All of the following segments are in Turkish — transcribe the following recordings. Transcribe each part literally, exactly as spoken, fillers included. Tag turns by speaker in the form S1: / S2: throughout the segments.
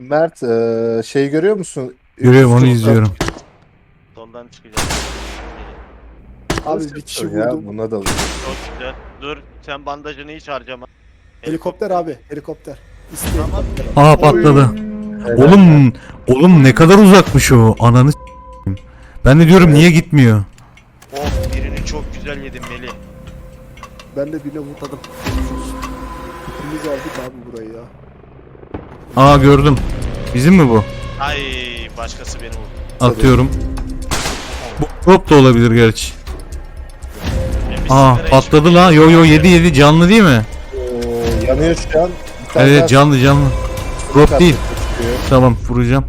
S1: Mert eee, şey görüyor musun?
S2: Görüyorum, onu
S1: Üst-
S2: izliyorum.
S3: Soldan çıkacağız.
S4: Abi bir kişi
S1: Ya
S4: vurdum.
S1: buna da vurdum.
S3: Çok güzel. Dur sen bandajını hiç harcama.
S4: Helikopter abi, helikopter. İsteyen
S3: Tamam.
S4: helikopter.
S2: Aa, patladı. Oğlum, oğlum ne kadar uzakmış o. Ananı s**eyim. Ben de diyorum niye gitmiyor?
S3: Of birini çok güzel yedim Melih.
S4: Ben de birine vurtadım. İkimiz aldık abi burayı ya.
S2: Aa, gördüm. Bizim mi bu?
S3: Ay başkası beni vurdu.
S2: Atıyorum. Bu prop da olabilir gerçi.
S3: Ben bir
S2: Aa,
S3: sigara
S2: patladı
S3: içmeyeyim.
S2: la. Yo yo, yedi yedi, canlı değil mi?
S1: Eee, yanıyor şu an. Bir tane daha
S2: Evet, canlı canlı. Prop
S1: sokak
S2: değil.
S1: çıkıyor.
S2: Tamam, vuracağım.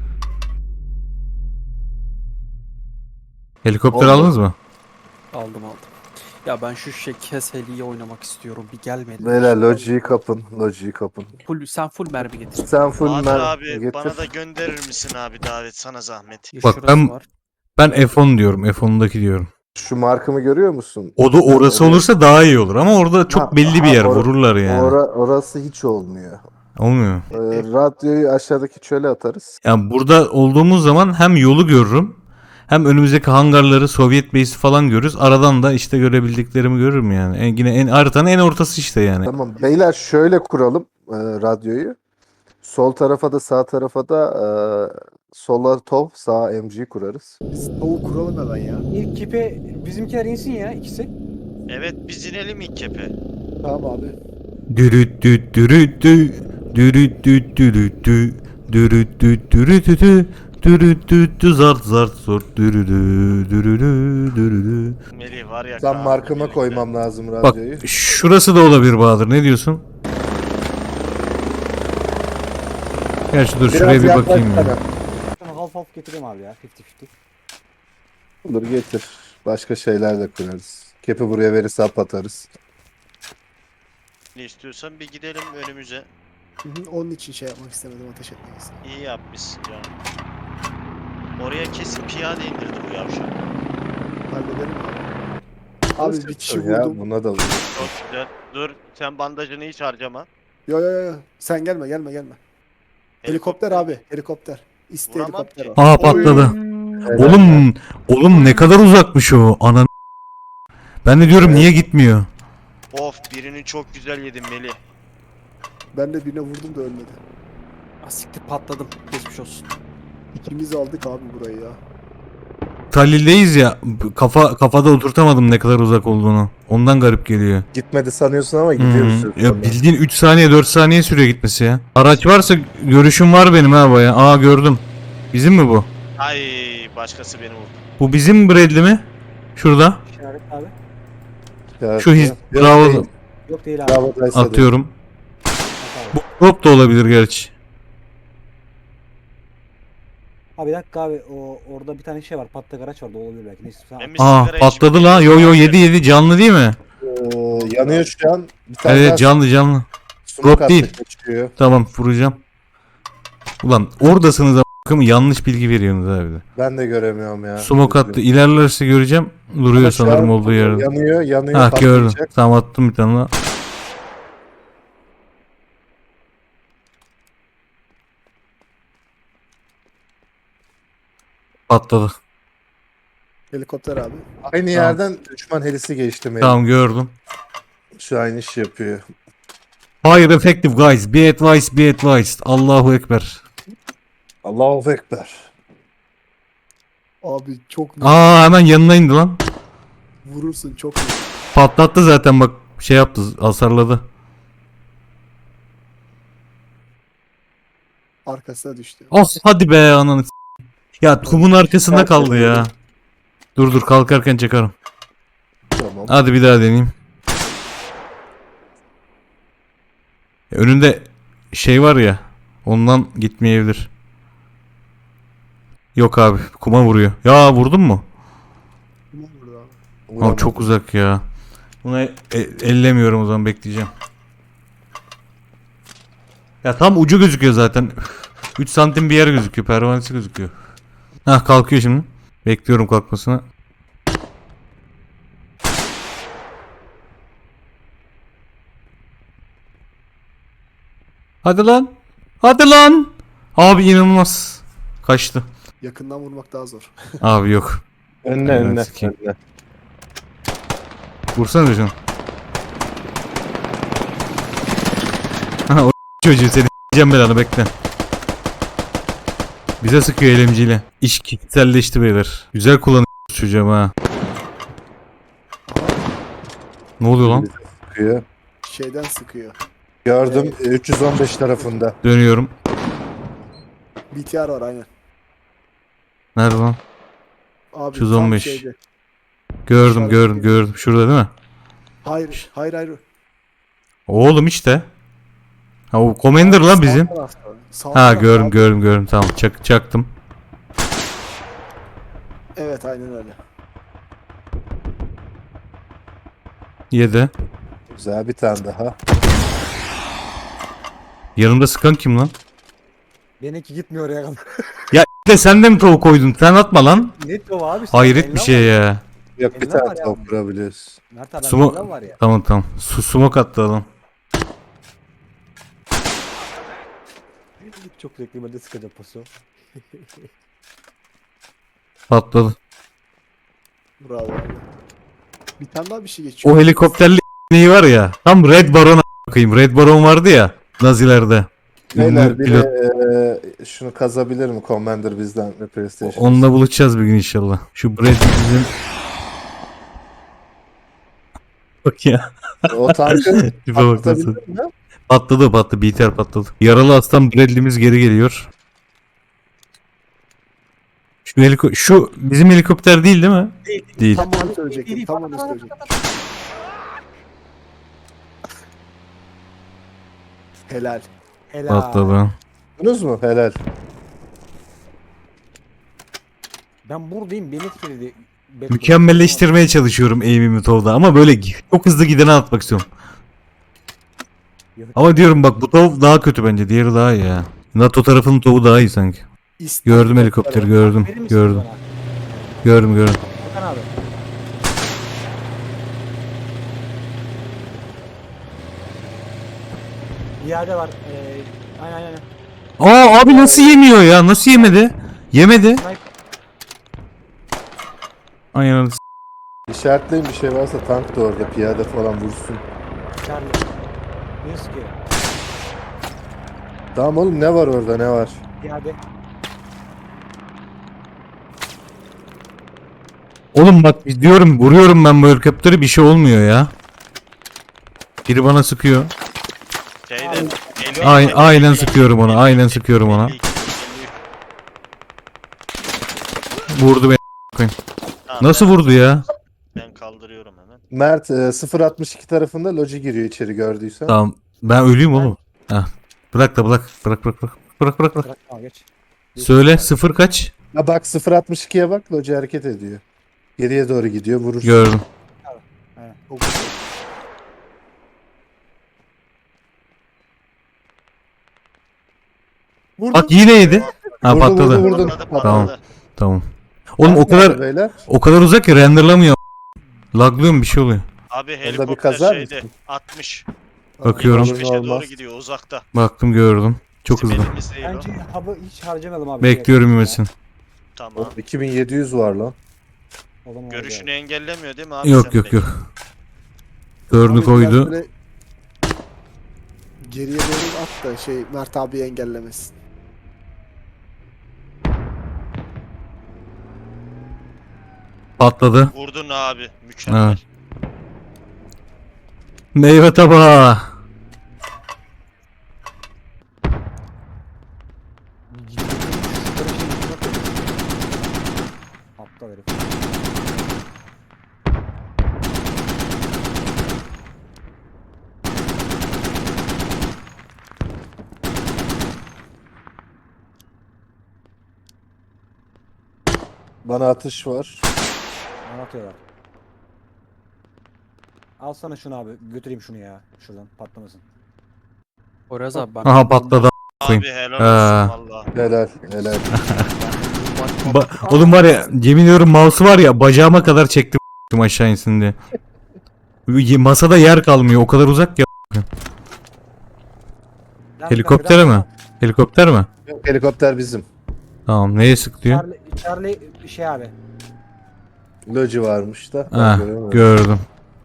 S2: Helikopter
S1: Oldu.
S2: aldınız mı?
S5: Aldım aldım. Ya ben şu şekes heliyi oynamak istiyorum. Bir gelmedi.
S1: Beyler lojiyi kapın. Lojiyi kapın.
S5: Full, sen full mermi getir.
S1: Sen full
S3: Bahadır
S1: mer
S3: abi
S1: getir.
S3: bana da gönderir misin abi davet sana zahmet.
S5: Ya
S2: Bak,
S5: şurası
S2: ben-
S5: var.
S2: Ben F on diyorum. F on'daki diyorum.
S1: Şu markımı görüyor musun?
S2: O da orası
S1: Evet.
S2: olursa daha iyi olur ama orada çok
S1: Ha,
S2: belli bir
S1: ha,
S2: yer.
S1: or-
S2: Vururlar yani.
S1: Ora, orası hiç olmuyor.
S2: Olmuyor.
S1: Eee, radyoyu aşağıdaki çöle atarız.
S2: Yani burada olduğumuz zaman hem yolu görürüm, hem önümüzdeki hangarları, Sovyet base'i falan görürüz. Aradan da işte görebildiklerimi görürüm yani. En, yine en haritanın en ortası işte yani.
S1: Tamam beyler şöyle kuralım eee, radyoyu. Sol tarafa da sağ tarafa da eee sola top sağ M G kurarız.
S4: Biz tavuk kuralım hemen ya.
S6: İlk kipe bizimkiler insin ya ikisi.
S3: Evet biz inelim ilk kepe.
S4: Tamam abi.
S2: Dürüt düt dürüt dü, dürüt düt dürüt dü, dürüt düt dürüt dü, dürüt düt dü, zart zart zort dürüdü dürüdü dürüdü.
S3: Melih var ya.
S1: Ben
S3: Kaan
S1: markama
S3: birlikte.
S1: koymam lazım
S2: Bak,
S1: radyoyu.
S2: şurası da olabilir Bahadır. Ne diyorsun? Gerçi dur, şuraya bir
S1: yaklaş
S2: bakayım ya.
S1: bana.
S6: Ben half half getireyim abi ya. elli elli.
S1: Olur getir. Başka şeyler de kurarız. Kepi buraya verirse hap atarız.
S3: Ne istiyorsan bir gidelim önümüze.
S4: Hı hı, onun için şey yapmak istemedim, ateş etmek istedim.
S3: İyi yapmışsın canım. Oraya kesin piyade indirdi bu yavşak.
S4: Hallederim abi. Abi bir kişi
S1: ya
S4: vurdum.
S1: buna da vurdum.
S3: Çok güzel. Dur sen bandajını hiç harcama.
S4: Yo yo yo. Sen gelme gelme gelme. Helikopter abi, helikopter. İste
S3: Vuramam
S4: helikopter
S3: ki.
S4: o.
S2: Aa, patladı. Oğlum, oğlum ne kadar uzakmış o. Anan. Ben de diyorum niye gitmiyor?
S3: Of birini çok güzel yedim Melih.
S4: Ben de birine vurdum da ölmedi.
S5: Ah, siktir patladım. Geçmiş olsun.
S4: İkimiz aldık abi burayı ya.
S2: Talil'deyiz ya. Kafa kafada oturtamadım ne kadar uzak olduğunu. Ondan garip geliyor.
S1: Gitmedi sanıyorsun ama
S2: Hı
S1: gidiyoruz.
S2: hı. Ya bildiğin üç saniye dört saniye sürüyor gitmesi ya. Araç varsa görüşüm var benim ha baya. Aa, gördüm. Bizim mi bu?
S3: Ay başkası beni vurdu.
S2: Bu bizim Bradley mi? Şurada.
S6: İşaret abi.
S1: Ya,
S2: Şu his-
S1: yok
S2: bravo.
S1: değil.
S6: Yok değil abi.
S1: Bravo Daysa değil.
S2: Atıyorum.
S6: Bak
S2: Bu
S6: abi.
S2: prop da olabilir gerçi.
S6: Abi bir dakika abi o orada bir tane şey var. Patlak araç vardı, o olabilir belki. Neyse sen
S3: Ben
S6: al.
S3: bir
S2: Aa,
S3: sigara
S2: patladı
S3: içmeyeyim.
S2: la. Yo yo, yedi yedi, canlı değil mi?
S1: Eee, yanıyor şu an. Bir tane daha
S2: Evet, canlı canlı.
S1: smoke
S2: Drop
S1: attı,
S2: değil.
S1: kaçıyor.
S2: Tamam, vuracağım. Ulan oradasınız a**ım, yanlış bilgi veriyorsunuz abi de.
S1: Ben de göremiyorum ya.
S2: Smoke attı. İlerlerse göreceğim. Duruyor
S1: Ama şu
S2: sanırım
S1: an
S2: olduğu yerde.
S1: Yanıyor, yanıyor.
S2: Ha, gördüm.
S1: patlayacak.
S2: Tamam, attım bir tane daha. Patladı.
S4: Helikopter abi.
S1: Aynı yerden düşman helisi geçti Melih.
S2: Tamam, gördüm.
S1: Şu aynı iş yapıyor.
S2: Fire effective guys. Be advised, be advised. Allahu Ekber.
S1: Allahu Ekber.
S4: Abi çok
S2: Aa, hemen yanına indi lan.
S4: vurursun çok.
S2: Patlattı zaten, bak şey yaptı, hasarladı.
S4: Arkasına düştü.
S2: Oh, hadi be ananı s- Ya kumun arkasında kaldı ya. Dur dur, kalkarken çakarım.
S1: Tamam.
S2: Hadi bir daha deneyeyim. Önünde şey var ya, ondan gitmeyebilir. Yok abi, kuma vuruyor. Ya vurdun mu?
S4: Kim vurdu abi?
S2: Abi
S1: Vuramadım.
S2: çok uzak ya. Buna e- ellemiyorum, o zaman bekleyeceğim. Ya tam ucu gözüküyor zaten. üç santim bir yer gözüküyor, pervanesi gözüküyor. Hah, kalkıyor şimdi. Bekliyorum kalkmasını. Hadi lan. Hadi lan. Abi inanılmaz. Kaçtı.
S4: Yakından vurmak daha zor.
S2: Abi yok.
S1: Önüne
S2: Evet,
S1: önüne.
S2: sikeyim.
S1: önüne.
S2: Vursana canım. Ha o çocuğu seni s**eceğim belanı bekle. Bize sıkıyor elemciyle. İş kişiselleşti beyler. Güzel kullanıyor çocuğum ha. Ne oluyor lan?
S1: Sıkıyor.
S4: Şeyden sıkıyor.
S1: Gördüm üç yüz on beş tarafında.
S2: Dönüyorum.
S4: B T R var aynen.
S2: Nerede lan?
S4: Abi
S2: üç yüz on beş.
S4: tam şeyde.
S2: Gördüm
S4: İşaret
S2: gördüm
S4: ediyor.
S2: gördüm. Şurada değil mi?
S4: Hayır hayır hayır.
S2: Oğlum işte. Ha o Commander lan bizim.
S4: Sağ tarafta. Sağ
S2: Ha
S4: tarafta
S2: gördüm
S4: abi.
S2: gördüm gördüm tamam çak çaktım.
S4: Evet aynen öyle.
S2: Yedi.
S1: Güzel bir tane daha.
S2: Yanımda sıkan kim lan?
S6: Benimki gitmiyor oraya kadar.
S2: Ya de sen de mi tavuk koydun? Sen atma lan.
S6: Net o abi. sen
S2: Hayret
S6: eline
S2: bir şey
S6: var.
S2: ya.
S1: Yok bir
S6: Eline
S1: tane
S6: var ya.
S1: tavuk kurabiliyoruz.
S6: Mert abi
S2: Sumo-
S6: bende var ya.
S2: Tamam tamam. Su smoke attı adam.
S6: Çok zevkli ben de sıkacağım paso.
S2: Patladı.
S4: Bravo abi. Bir tane daha bir şey geçiyor.
S2: O helikopterli neyi var ya. Tam Red Baron bakayım. Red Baron vardı ya. Nazilerde.
S1: Beyler
S2: Ünlü
S1: bir
S2: pilot.
S1: de e, şunu kazabilir mi Commander bizden ve PlayStation?
S2: Onunla buluşacağız bir gün inşallah. Şu Brad bizim... Bak ya.
S1: O tankı
S2: Tipe bak nasıl.
S1: atlatabilir mi?
S2: Patladı patladı. B T R patladı. Yaralı aslan Bradley'miz geri geliyor. Şu, heliko şu bizim helikopter değil değil mi?
S6: Değil.
S2: Değil.
S4: Tam onu söyleyecektim. Tam onu söyleyecektim. Helal.
S6: Helal.
S2: Patladı.
S1: Duydunuz mu? Helal.
S6: Ben buradayım beni etkiledi. Back-
S2: Mükemmelleştirmeye çalışıyorum aim'imi tovda ama böyle çok hızlı gidene atmak istiyorum. Ama diyorum bak bu tov daha kötü bence. Diğeri daha iyi ya. NATO tarafının tovu daha iyi sanki.
S4: İstek
S2: Gördüm helikopteri gördüm.
S6: Verir misin
S2: Gördüm.
S6: bana?
S2: Gördüm gördüm.
S6: Hakan abi. İade var. Ee, aynen aynen.
S2: Aa abi nasıl yemiyor ya? Nasıl yemedi? Yemedi. Aynen.
S1: İşaretleyin bir şey varsa tank da orada piyade falan vursun.
S6: Charlie. Ne sıkıyor?
S1: Tamam oğlum ne var orada ne var?
S6: İade.
S2: Oğlum bak diyorum vuruyorum ben bu helikopteri bir şey olmuyor ya. Biri bana sıkıyor.
S3: Şeyde. elli-
S2: Ay,
S3: elli-
S2: aynen
S3: elli-
S2: sıkıyorum ona. Aynen sıkıyorum ona.
S3: elli iki, elli üç.
S2: Vurdu beni.
S3: Tamam,
S2: Nasıl
S3: ben-
S2: vurdu ya?
S3: Ben kaldırıyorum hemen.
S1: Mert e, sıfır altmış iki tarafında loji giriyor içeri gördüysen.
S2: Tamam. Ben ölüyüm oğlum. Heh. Bırak da bırak. Bırak bırak bırak. Bırak bırak bırak.
S6: Bırak tamam geç.
S2: Söyle sıfır kaç?
S1: Ha bak sıfır altmış ikiye bak loji hareket ediyor. Geriye doğru gidiyor vurursun.
S2: Gördüm.
S4: Çok güzel.
S6: Vurdum.
S2: Bak yine yedi. Ha
S1: Vurdu,
S2: patladı.
S1: vurdu, vurdu.
S3: Patladı,
S2: Tamam.
S3: patladı.
S2: Tamam. Oğlum o
S1: Nerede
S2: kadar
S1: beyler?
S2: o kadar uzak ki renderlamıyor. Laglıyor mu bir şey oluyor.
S3: Abi
S1: bir
S3: helikopter
S1: kaza
S3: şeyde.
S1: mısın?
S3: altmış.
S2: Bakıyorum.
S1: Olur,
S3: yetmiş beşe doğru
S1: olmaz.
S3: gidiyor uzakta.
S2: Baktım gördüm. Çok
S3: Bizim
S2: hızlı.
S3: elimizde değil o.
S6: Bence hub'ı hiç harcamayalım abi.
S2: Bekliyorum
S6: Ya.
S2: yemesin.
S3: Tamam.
S1: iki bin yedi yüz var lan.
S6: O zaman
S3: Görüşünü
S6: oldu
S3: engellemiyor değil mi abi?
S2: Yok
S3: sen
S2: yok
S3: peki?
S2: yok. Dördünü
S4: Abi
S2: koydu.
S4: biraz böyle Geriye doğru at da şey Mert abi engellemesin.
S2: Patladı.
S3: Vurdun abi. Mükemmel.
S2: Evet. Meyve tabağı.
S6: Aptal herif.
S1: Bana atış var.
S6: Ne atıyorlar? Alsana şunu abi. Götüreyim şunu ya. Şuradan patlamasın.
S5: Poyraz abi ben...
S2: Aha patladı. Koyayım.
S3: Abi helal
S2: Ha.
S3: olsun valla.
S1: Helal helal.
S2: Ba- Oğlum var ya yemin ediyorum mouse'u var ya bacağıma kadar çektim aşağı insin diye. Y- Masada yer kalmıyor o kadar uzak ya.
S6: Lan
S2: Helikoptere
S6: ben
S2: mi?
S6: biraz-
S2: Helikopter mi?
S1: Yok, helikopter bizim.
S2: Tamam. Neye sık diyor?
S6: Charlie, Charlie şey abi.
S1: Loji varmış da. ben
S2: Ha,
S1: göremedim.
S2: gördüm.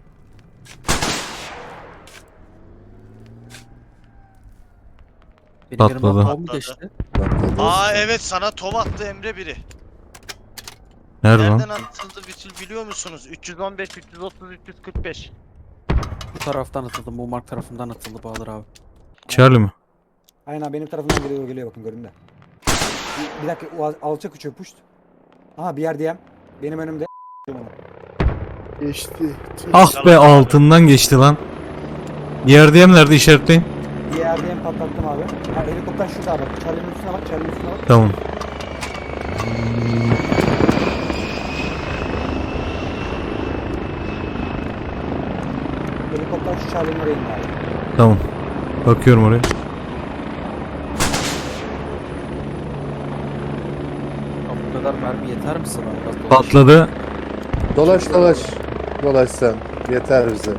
S5: Benim
S2: Patladı.
S5: yerimden bomba
S3: Patladı.
S5: geçti.
S1: Patladı.
S3: Aa evet, sana tov attı Emre biri.
S2: Nerede lan?
S3: Nereden atıldı Bütül biliyor musunuz? üç yüz on beş, üç yüz otuz, üç yüz kırk beş.
S5: Bu taraftan atıldı. Bu mark tarafından atıldı Bahadır abi.
S2: Charlie mi?
S6: Aynen abi, benim tarafımdan geliyor geliyor bakın görün de. Bir, bir dakika o al- alçak uçuyor puşt. Aha bir yer diyem. Benim önümde.
S4: Geçti. Tüh.
S2: Ah be, altından geçti lan. Diğer diyem nerede, işaretleyin.
S6: Bir yer diyem patlattım abi. Ha, helikopter şurada abi. Charlie'nin üstüne bak. Charlie'nin üstüne bak.
S2: Tamam.
S6: Helikopter şu Charlie'nin oraya indi abi.
S2: Tamam. Bakıyorum oraya.
S5: Ya bu kadar mermi yeter mi sana? Biraz dolaş.
S2: Patladı.
S1: Dolaş dolaş. Dolaş sen. Yeter bize.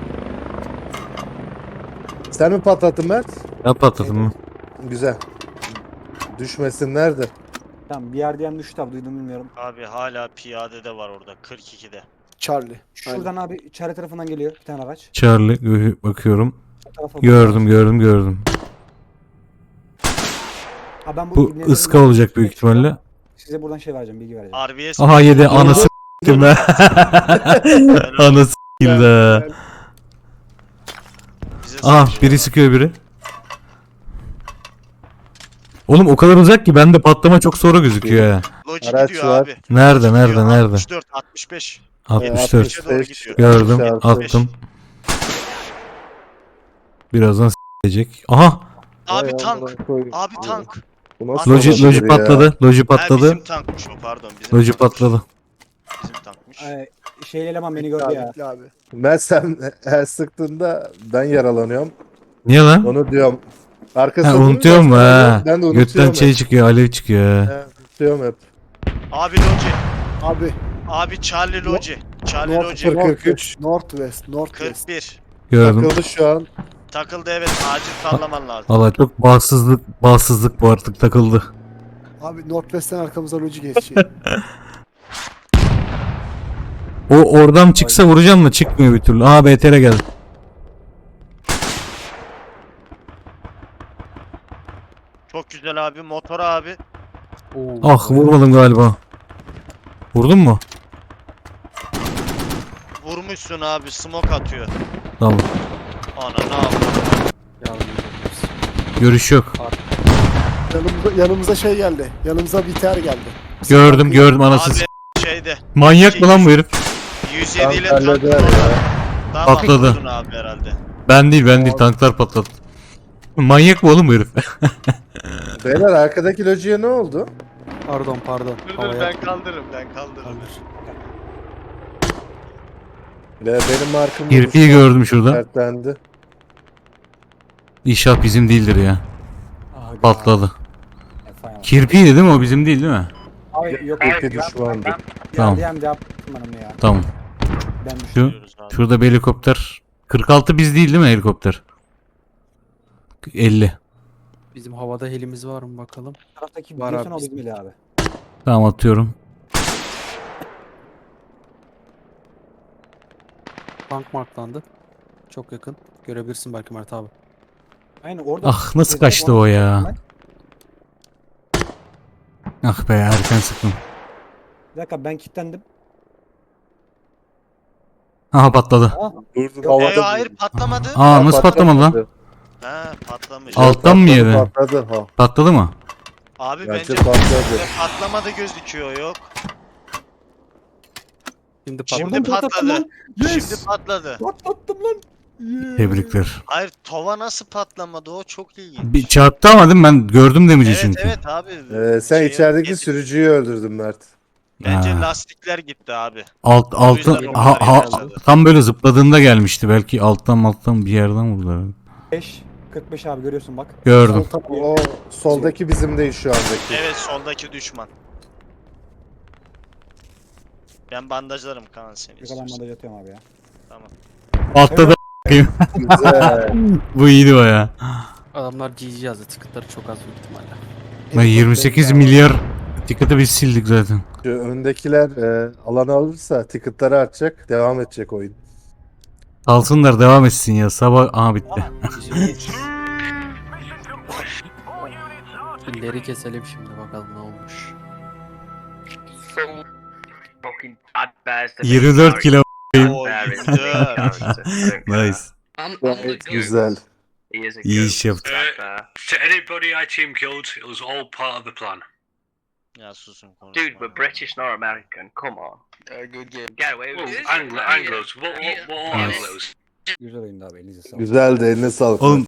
S1: Sen mi patlattın Mert?
S2: Ben patladım mı?
S1: Güzel. Düşmesinler de.
S6: Tamam bir yer diyem düştü abi, duydum bilmiyorum.
S3: Abi hala piyade de var orada kırk ikide.
S4: Charlie.
S6: Şuradan abi Charlie tarafından geliyor bir tane araç.
S2: Charlie gö- bakıyorum.
S6: Bu tarafa
S2: Gördüm gördüm gördüm.
S6: Ha, ben
S2: Bu
S6: ibnelerin-
S2: ıska olacak büyük ihtimalle.
S6: Size buradan şey vereceğim, bilgi vereceğim.
S3: R B S.
S2: Aha yedi, anası s**tim be. Anası s**ildi.
S3: Bize
S2: Aha
S3: sıkıyor.
S2: biri sıkıyor biri. Oğlum o kadar uzak ki bende patlama çok sonra gözüküyor ha.
S3: Loji
S1: Araç
S3: gidiyor
S1: var.
S3: abi.
S2: Nerede nerede
S3: Gidiyor,
S2: nerede?
S3: altmış dört, altmış beş.
S2: altmış dört.
S3: yetmişe doğru gidiyor.
S2: Gördüm,
S1: altmış beş.
S2: attım. Birazdan s**ecek. Aha!
S3: Abi
S1: Vay
S3: tank.
S1: amına koyayım.
S3: Abi tank.
S1: Bu nasıl
S3: Loji-
S2: Loji,
S1: olabilir
S2: loji
S1: ya?
S2: patladı. Loji
S3: Ha,
S2: patladı.
S3: bizim tankmış o, pardon. Bizim
S2: Loji
S3: tankmış.
S2: patladı.
S3: Bizim tankmış.
S6: Ee, şeyli eleman beni
S4: Bekle
S6: gördü
S4: abi,
S6: ya.
S4: bekle abi.
S1: Mert sen her sıktığında ben yaralanıyorum.
S2: Niye lan?
S1: Onu diyorum. Arkasında
S2: Ha,
S1: durunca
S2: unutuyor mu ha?
S1: Ben de
S2: Götten
S1: unutuyorum
S2: şey
S1: hep.
S2: çıkıyor, alev çıkıyor. ha.
S1: He, unutuyorum hep.
S3: Abi Loji.
S4: Abi.
S3: Abi Charlie Loji. Charlie
S4: North,
S3: Loji.
S1: kırk üç.
S4: Northwest. Northwest.
S3: kırk bir.
S2: Gördüm.
S1: Takıldı şu an.
S3: Takıldı evet, acil sallaman lazım.
S2: Valla çok bağımsızlık, bağımsızlık bu artık takıldı.
S4: Abi Northwest'ten arkamıza loji geçecek.
S2: O oradan çıksa vuracağım da çıkmıyor bir türlü. Aa B T R geldi.
S3: Çok güzel abi. Motor abi.
S5: Oo.
S2: Ah vurmadım galiba. Vurdun mu?
S3: Vurmuşsun abi. Smoke atıyor.
S2: Tamam.
S3: Ana ne yapıyor?
S5: Yardım ediyoruz.
S2: Görüş yok.
S4: yanımıza, yanımıza şey geldi. Yanımıza biter geldi.
S2: Gördüm gördüm anası.
S3: Abi
S2: s-
S3: şeyde.
S2: Manyak mı lan bu herif?
S3: yüz yedi ile
S1: Tank
S3: tank
S1: halleder ya.
S3: Daha
S2: Patladı.
S3: patladın abi herhalde.
S2: Ben değil ben değil, tanklar patladı. Manyak mı oğlum bu herif?
S1: Beyler arkadaki lojiye ne oldu?
S5: Pardon pardon.
S3: Dur dur,
S5: Havaya
S3: ben kaldırırım ben kaldırırım.
S5: kaldır.
S1: Ve benim markım
S2: Kirpiyi gördüm şurada.
S1: Sertlendi.
S2: İnşaat bizim değildir ya.
S6: Abi,
S2: Patladı.
S6: Efendim.
S2: Kirpiydi değil mi o, bizim değil değil mi?
S6: Abi yok
S1: Kirpi
S6: abi.
S1: düşmandı.
S6: Yer
S2: Tamam.
S6: diyem de yaptım ben onu ya.
S2: Tamam.
S6: Ben düştüm.
S2: Şu,
S3: Diyoruz abi.
S2: şurada bir helikopter. kırk altı biz değil değil mi helikopter? elli.
S5: Bizim havada helimiz var mı bakalım.
S6: Bu taraftaki
S5: Var
S6: biliyorsun
S5: abi.
S6: o bizim eli abi.
S2: Tamam atıyorum.
S5: Tank marklandı. Çok yakın. Görebilirsin belki Mert abi.
S6: Aynen orada.
S2: Ah nasıl kaçtı o ya? Ah be erken sıktım.
S6: Bir dakika ben kilitlendim.
S2: Aha patladı.
S6: Ah,
S1: Durdum
S6: Yok,
S3: Ee,
S1: havada.
S3: hayır patlamadı.
S2: Aa nasıl patlamadı lan?
S3: Ha patlamış.
S2: Alt- Alttan mı
S1: Patladı,
S2: yedi?
S1: Patladı ha.
S2: Patladı mı?
S3: Abi
S1: Bence
S3: bence
S1: patladı.
S3: patlamadı gözüküyor yok.
S5: Şimdi
S3: Şimdi
S5: patladı.
S3: patladı.
S6: lan. Yes.
S3: Şimdi patladı.
S6: Patlattım lan. Yeah.
S2: Tebrikler.
S3: Hayır tova nasıl patlamadı o çok ilginç.
S2: Bir çarptı ama değil mi? Ben gördüm demici
S3: Evet
S2: çünkü.
S3: evet abi.
S1: Ee, sen
S3: Şey,
S1: içerideki
S3: yedi-
S1: sürücüyü öldürdün Mert.
S3: Bence
S2: Ha.
S3: lastikler gitti abi.
S2: Alt
S3: O yüzden
S2: altı
S3: onlar
S2: ha, ha,
S3: yaralandı.
S2: tam böyle zıpladığında gelmişti. Belki alttan alttan bir yerden vurdular.
S6: beş kırk beş abi görüyorsun bak.
S2: Gördüm.
S6: Sol tarafı-
S1: O soldaki bizim değil şu andaki.
S3: Evet soldaki düşman. Ben bandajlarım Kaan seni
S6: Bir kadar
S3: istiyorsan.
S6: bandaj atıyorum abi ya.
S3: Tamam.
S2: Patladı.
S1: Güzel.
S2: Bu iyiydi o ya.
S5: Adamlar G G yazdı. Ticketları çok az büyük ihtimalle.
S2: Ben yirmi sekiz milyar ticket'ı biz sildik zaten.
S1: Şu öndekiler e, alanı alırsa ticket'ları artacak. Devam edecek oyun.
S2: Alsınlar devam etsin ya. Sabah aha bitti.
S5: İleri keselim şimdi bakalım ne olmuş.
S7: Fucking bad bears to be
S2: yirmi dört kilo.
S3: Oo,
S7: Bear is a
S3: yirmi
S7: good
S3: dört.
S7: character. I don't care.
S2: Nice.
S8: I'm, I'm
S1: Gayet
S8: the goat.
S1: güzel.
S7: He is a
S2: İyi
S7: goat,
S2: iş yaptı.
S7: that bear.
S9: To anybody I team killed, it was all part of the plan.
S3: Ya susun konuşma.
S7: Dude, we're British, not American. Come on.
S8: Uh, good game.
S7: Get away with
S9: Well,
S7: it.
S9: Anglo, Anglos. What, what, what are
S2: Nice.
S9: Anglos?
S6: Güzel oyundu abi elinize sağlık.
S1: Güzeldi, eline sağlık.
S2: Oğlum